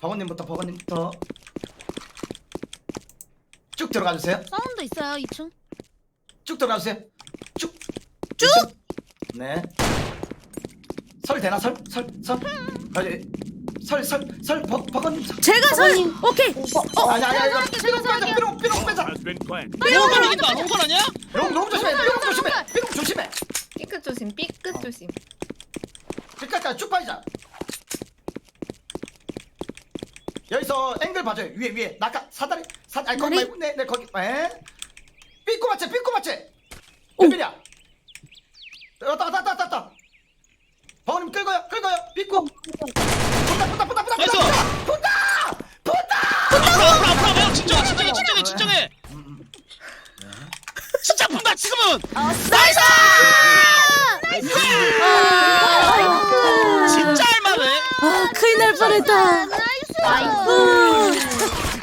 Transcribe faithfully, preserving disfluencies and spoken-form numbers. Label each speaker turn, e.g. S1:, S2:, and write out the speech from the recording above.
S1: 버거님부터 버거님부터 쭉 들어가주세요.
S2: 사운드 있어요 이 층.
S1: 쭉 들어가주세요. 쭉.
S2: 쭉?
S1: 네. 설 되나 설? 설? 설? 아니, 설, 설, 설, 버, 버거님. 설.
S2: 제가 설. 오케이.
S1: 어, 아니, 아니, 아니,
S2: 제가
S1: 이거
S2: 설할게요,
S1: 삐롱
S2: 제가
S1: 빼자,
S2: 설할게요.
S1: 삐롱, 삐롱 빼자.
S3: has been planted.
S4: 롱건 아닌가? 롱건 아니야?
S1: 롱, 롱 조심해, 삐롱 조심해, 삐롱 조심해.
S5: 삐끗 조심, 삐끗
S1: 어.
S5: 조심.
S1: 끝까지 쭉 빠지자. 여기서 앵글 봐줘요. 위에, 위에. 낙하, 사다리, 사, 아니, 거기
S2: 사다리?
S1: 말고, 네, 네, 거기, 에? 삐꼬 맞지, 삐꼬 맞지?
S2: 오.
S1: 웬일이야? 왔다, 왔다, 왔다, 왔다. 버거님 끌고요, 끌고요, 삐꼬. 붙다, 붙다, 붙다, 붙다,
S4: 나이스.
S1: 붙다, 붙다,
S4: 앞으로 앞으로 앞으로 앞으로 진정해 진정해 진정해 진정해 진짜 아픈다 지금은.
S2: 나이스.
S4: 진짜 할만해.
S2: 아 큰일 날 뻔했다.
S5: 나이스.